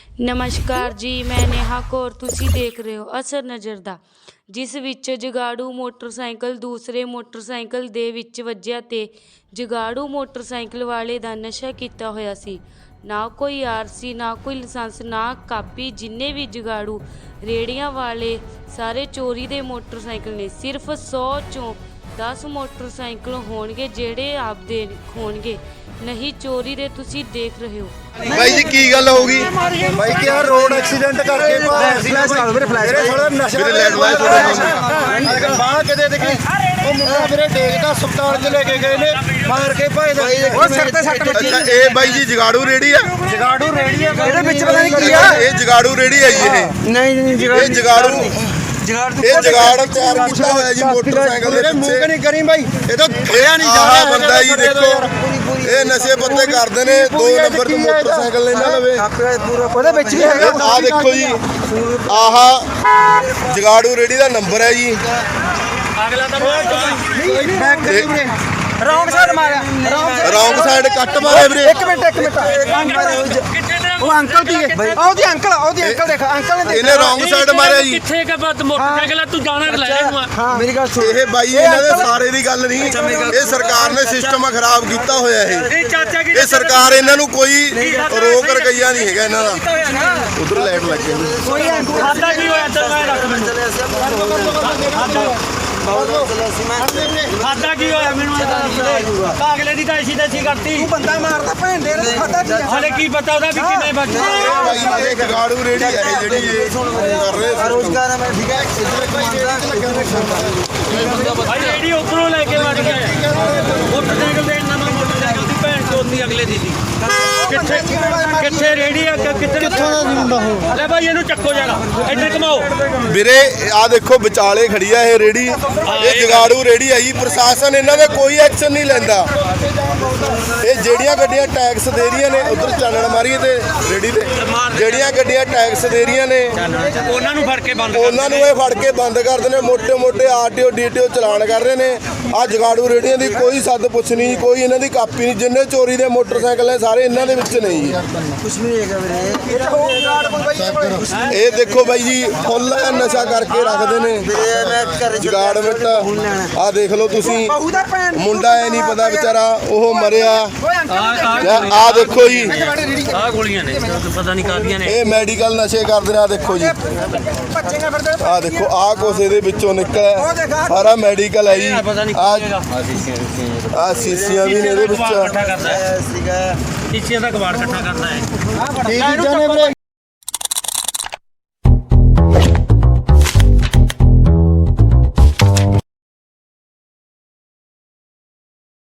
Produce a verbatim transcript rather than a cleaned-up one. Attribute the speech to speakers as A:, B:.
A: ਨਮਸਕਾਰ ਜੀ, ਮੈਂ ਨੇਹਾ ਕੌਰ। ਤੁਸੀਂ ਦੇਖ ਰਹੇ ਹੋ ਅਸਰ ਨਜ਼ਰ ਦਾ, ਜਿਸ ਵਿੱਚ ਜਗਾੜੂ ਮੋਟਰਸਾਈਕਲ ਦੂਸਰੇ ਮੋਟਰਸਾਈਕਲ ਦੇ ਵਿੱਚ ਵੱਜਿਆ ਤੇ ਜਗਾੜੂ ਮੋਟਰਸਾਈਕਲ ਵਾਲੇ ਦਾ ਨਸ਼ਾ ਕੀਤਾ ਹੋਇਆ ਸੀ। ਨਾ ਕੋਈ ਆਰ ਸੀ, ਨਾ ਕੋਈ ਲਾਇਸੈਂਸ, ਨਾ ਕਾਪੀ। ਜਿੰਨੇ ਵੀ ਜਗਾੜੂ ਰੇੜੀਆਂ ਵਾਲੇ ਸਾਰੇ ਚੋਰੀ ਦੇ ਮੋਟਰਸਾਈਕਲ ਨੇ। ਸਿਰਫ ਸੌ ਚੋਂ ਦਸ ਮੋਟਰਸਾਈਕਲ ਹੋਣਗੇ ਜਿਹੜੇ ਆਪਦੇ ਹੋਣਗੇ, ਨਹੀਂ ਚੋਰੀ ਦੇ। ਤੁਸੀਂ ਦੇਖ ਰਹੇ ਹੋ
B: भाई जी की गल होगी भाई क्या रोड एक्सीडेंट करके फ्लैश कर मेरे फ्लैश मेरे थोड़ा नशा मेरे लेट लाइट थोड़ा बाहर के दे देखी ਉਹ ਮੁੰਡਾ ਮੇਰੇ ਦੇਖਦਾ ਹਸਪਤਾਲ ਚ ਲੈ ਕੇ ਗਏ ਨੇ ਮਾਰ ਕੇ ਭਾਈ ਦਾ ਉਹ ਸਿਰ ਤੇ ਸੱਟ ਵੱਜੀ। ਅੱਛਾ ਇਹ ਬਾਈ ਜੀ ਜਗਾੜੂ ਰੇੜੀ ਆ? ਜਗਾੜੂ ਰੇੜੀ ਆ ਇਹਦੇ ਵਿੱਚ ਪਤਾ ਨਹੀਂ ਕੀ ਆ। ਇਹ ਜਗਾੜੂ ਰੇੜੀ ਹੈ ਜੀ? ਇਹ ਨਹੀਂ ਨਹੀਂ ਜਗਾੜੂ, ਇਹ ਜਗਾੜੂ ਇਹ ਜਗਾੜ ਤਿਆਰ ਕੀਤਾ ਹੋਇਆ ਜੀ ਮੋਟਰਸਾਈਕਲ ਦੇ ਪਿੱਛੇ। ਨਹੀਂ ਕਰੀ ਬਾਈ ਇਹ ਤਾਂ ਖਿਆ ਨਹੀਂ ਜਾ ਰਿਹਾ ਬੰਦਾ ਜੀ। ਦੇਖੋ ਇਹ ਨਸ਼ੇ ਪੱਤੇ ਕਰਦੇ ਨੇ। ਦੋ ਨੰਬਰ ਤੇ ਮੋਟਰਸਾਈਕਲ ਇਹਨਾਂ ਲਵੇ ਉਹਦੇ ਵਿੱਚ ਵੀ ਹੈਗਾ। ਆਹ ਦੇਖੋ ਜੀ, ਆਹ ਜਗਾੜੂ ਰੇੜੀ ਦਾ ਨੰਬਰ ਹੈ ਜੀ। ਅਗਲਾ ਤਾਂ ਰੌਂਗ ਸਾਈਡ ਮਾਰਿਆ, ਰੌਂਗ ਸਾਈਡ ਕੱਟ ਮਾਰਿਆ ਵੀਰੇ। ਇੱਕ ਮਿੰਟ ਇੱਕ ਮਿੰਟ ਉਹ ਅੰਕਲ ਦੀ ਉਹਦੀ ਅੰਕਲ ਉਹਦੀ ਅੰਕਲ ਦੇਖ ਅੰਕਲ ਨੇ ਇਹਨੇ ਰੌਂਗ ਸਾਈਡ ਮਾਰਿਆ ਜੀ।
C: ਕਿੱਥੇ ਕਾ ਬਾਤ ਮੋਟਰਸਾਈਕਲ ਤੂੰ ਜਾਣਾ ਲੈ ਇਹਨੂੰ।
B: ਹਾਂ ਮੇਰੀ ਗੱਲ ਸੁਣ। ਇਹ ਬਾਈ ਇਹਨਾਂ ਦੇ ਸਾਰੇ ਦੀ ਗੱਲ ਨਹੀਂ, ਇਹ ਸਰਕਾਰ ਨੇ ਸਿਸਟਮ ਖਰਾਬ ਕੀਤਾ ਹੋਇਆ। ਇਹ
C: ਇਹ ਚਾਚਾ ਕੀ
B: ਇਹ ਸਰਕਾਰ ਇਹਨਾਂ ਨੂੰ ਕੋਈ ਰੋਕ ਰਕਈਆ ਨਹੀਂ ਹੈਗਾ ਇਹਨਾਂ ਦਾ। ਉਧਰ ਲਾਈਟ ਲੱਗੇ
C: ਕੋਈ ਖਾਤਾ ਕੀ ਹੋਇਆ ਤੇ ਮੈਂ ਰੱਖ ਮੈਨੂੰ ਖਾਤਾ ਕੀ ਹੋਇਆ ਮੈਨੂੰ ਅਗਲੇ ਦੀ ਤਾਂ ਐਸੀ ਤੈਸੀ ਕਰਤੀ। ਤੂੰ ਬੰਦਾ ਮਾਰਦਾ ਭੈਣ ਦੇ ਖਾਤਾ ਕੀ ਹਲੇ ਕੀ ਪਤਾ ਉਹਦਾ ਵੀ ਕਿੰਨੇ ਬੱਚੇ।
B: ਭਾਈ ਇਹ ਜਗਾੜੂ ਰੇੜੀ ਹੈ ਜਿਹੜੀ ਇਹ ਕਰ ਰਹੇ ਰੋਜ਼ਗਾਰ ਹੈ। ਠੀਕ ਹੈ
C: ਭਾਈ ਰੇੜੀ ਉੱਪਰੋਂ ਲੈ ਕੇ ਵੱਜ ਗਿਆ ਮੋਟਰਸਾਈਕਲ ਦੇ ਨਵਾਂ ਮੋਟਰਸਾਈਕਲ ਦੀ ਭੈਣ ਚੋਦੀ ਅਗਲੇ ਦੀ ਸੀ। ਕਿੱਥੇ ਕਿੱਥੇ ਰੇੜੀ ਆ ਕਿੱਥੇ ਕਿੱਥੋਂ ਦਾ ਮੁੰਡਾ ਹੋ? ਲੈ ਭਾਈ ਇਹਨੂੰ ਚੱਕੋ ਜਰਾ ਇੱਧਰ ਘਮਾਓ
B: ਵੀਰੇ। ਆ ਦੇਖੋ ਵਿਚਾਲੇ ਖੜੀ ਆ ਇਹ ਰੇੜੀ। ਇਹ ਜਗਾੜੂ ਰੇੜੀ ਆਈ। ਪ੍ਰਸ਼ਾਸਨ ਇਹਨਾਂ ਦਾ ਕੋਈ ਐਕਸ਼ਨ ਨਹੀਂ ਲੈਂਦਾ। ਇਹ ਜਿਹੜੀਆਂ ਗੱਡੀਆਂ ਟੈਕਸ ਦੇ ਰਹੀਆਂ ਨੇ ਉਧਰ ਚਾਨਣ ਮਾਰੀਏ ਤੇ ਰੇੜੀ ਤੇ ਜਿਹੜੀਆਂ ਗੱਡੀਆਂ ਟੈਕਸ ਦੇ ਰਹੀਆਂ ਨੇ
C: ਉਹਨਾਂ ਨੂੰ ਫੜ ਕੇ ਬੰਦ
B: ਉਹਨਾਂ ਨੂੰ ਇਹ ਫੜ ਕੇ ਬੰਦ ਕਰਦੇ ਨੇ। ਮੋਟੇ ਮੋਟੇ ਆਰਟੀਓ ਡੀਟੀਓ ਚਲਾਨ ਕਰ ਰਹੇ ਨੇ। ਆ ਜਗਾੜੂ ਰੇੜੀਆਂ ਦੀ ਕੋਈ ਸੱਦ ਪੁੱਛ ਨਹੀਂ, ਕੋਈ ਇਹਨਾਂ ਦੀ ਕਾਪੀ ਨਹੀਂ। ਜਿੰਨੇ ਚੋਰੀ ਦੇ ਮੋਟਰਸਾਈਕਲ ਨੇ ਸਾਰੇ ਇਹਨਾਂ ਦੇ ਵਿੱਚ ਨਹੀਂ ਜੀ। ਕੁਝ ਨਹੀਂ ਹੈਗਾ ਵੀਰੇ। ਇਹ ਦੇਖੋ ਬਾਈ ਜੀ ਫੁੱਲ ਨਸ਼ਾ ਕਰਕੇ ਰੱਖਦੇ ਨੇ ਜਗਾੜ ਵਿੱਚ। ਆ ਦੇਖ ਲਓ ਤੁਸੀਂ, ਮੁੰਡਾ ਇਹ ਨਹੀਂ ਪਤਾ ਵਿਚਾਰਾ ਉਹ ਮਰਿਆ। ਆ ਦੇਖੋ ਜੀ
C: ਆਹ ਗੋਲੀਆਂ ਨੇ ਪਤਾ ਨਹੀਂ ਕਾਹਦੀਆਂ ਨੇ।
B: ਇਹ ਮੈਡੀਕਲ ਨਸ਼ੇ ਕਰਦੇ ਨੇ। ਆ ਦੇਖੋ ਜੀ, ਆ ਦੇਖੋ ਆਹ ਕੁਛ ਇਹਦੇ ਵਿੱਚੋਂ ਨਿਕਲਿਆ ਸਾਰਾ ਮੈਡੀਕਲ ਹੈ ਜੀ। ਆ ਸੀਸੀਆਂ ਵੀ ਨੇ ਇਹਦੇ ਵਿੱਚ।
C: ਇਕੱਠਾ ਕਰਦਾ ਹੈ ਸੀਗਾ, ਸੀਸੀਆਂ ਦਾ ਕਬਾੜ ਇਕੱਠਾ ਕਰਦਾ ਹੈ।